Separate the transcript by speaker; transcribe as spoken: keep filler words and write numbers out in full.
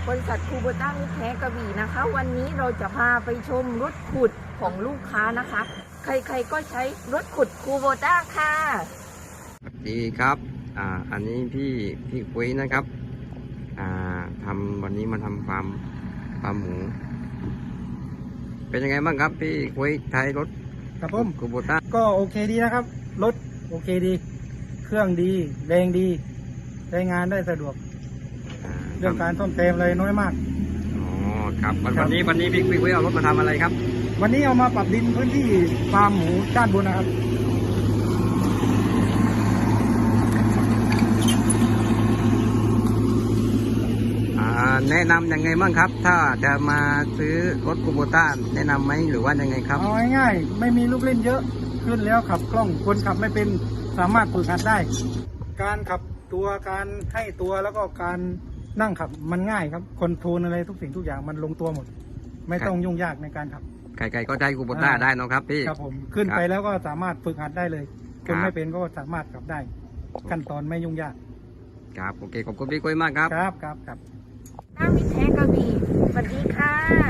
Speaker 1: บริษัทคูโบต้ามิตรแท้กระบี่นะคะ วันนี้เราจะพาไปชมรถขุดของลูกค้านะคะ ใครๆก็ใช้รถขุดคูโบต้าค่ะ
Speaker 2: สวัสดีครับอ่าอันนี้พี่พี่คุยนะครับอ่าทำวันนี้มาทำฟาร์มฟาร์มหมูเป็นยังไงบ้างครับพี่คุยใช้รถ
Speaker 3: ครับผม
Speaker 2: คูโบต้า
Speaker 3: ก็โอเคดีนะครับรถโอเคดี เครื่องดีแรงดีใช้งานได้สะดวก
Speaker 2: อ่า
Speaker 3: เรื่องการซ่อมแซมเลยน้อยมาก
Speaker 2: อ๋อครับวัน
Speaker 3: ครับ
Speaker 2: วันนี้วันนี้พี่พี่คุยเอารถมาทำอะไรครับ
Speaker 3: วันนี้เอามาปรับดินพื้นที่ฟาร์มหมูด้านบนนะครับ
Speaker 2: อ่าแนะนำยังไงบ้างครับ ถ้าจะมาซื้อรถคูโบต้าแนะนำไหมหรือว่ายังไงครับ
Speaker 3: เอาง่ายๆไม่มีลูกเล่นเยอะขึ้นแล้วขับคล่องคนขับไม่เป็นสามารถฝึกหัดได้ การขับตัวการให้ตัวแล้วก็การนั่งขับมันง่ายครับคอนโทรลอะไรทุกสิ่งทุกอย่างมันลงตัวหมด ไม่ต้องยุ่งยากในการขับ
Speaker 2: ใครๆก็ใช้คูโบต้า
Speaker 3: อ่า
Speaker 2: ได้เนอะครับพี่
Speaker 3: ครับผมขึ้น
Speaker 2: ครับ
Speaker 3: ไปแล้วก็สามารถฝึกหัดได้เลย
Speaker 2: ค
Speaker 3: ครับ นไม่เป็นก็สามารถขับได้ ขั้นตอนไม่ยุ่งยาก
Speaker 2: ครับโอเคขอบคุณพี่คุยมากครับ
Speaker 3: ครับครับครับ
Speaker 1: ต้ามิตรแท้กระบี่สวัสดีค่ะ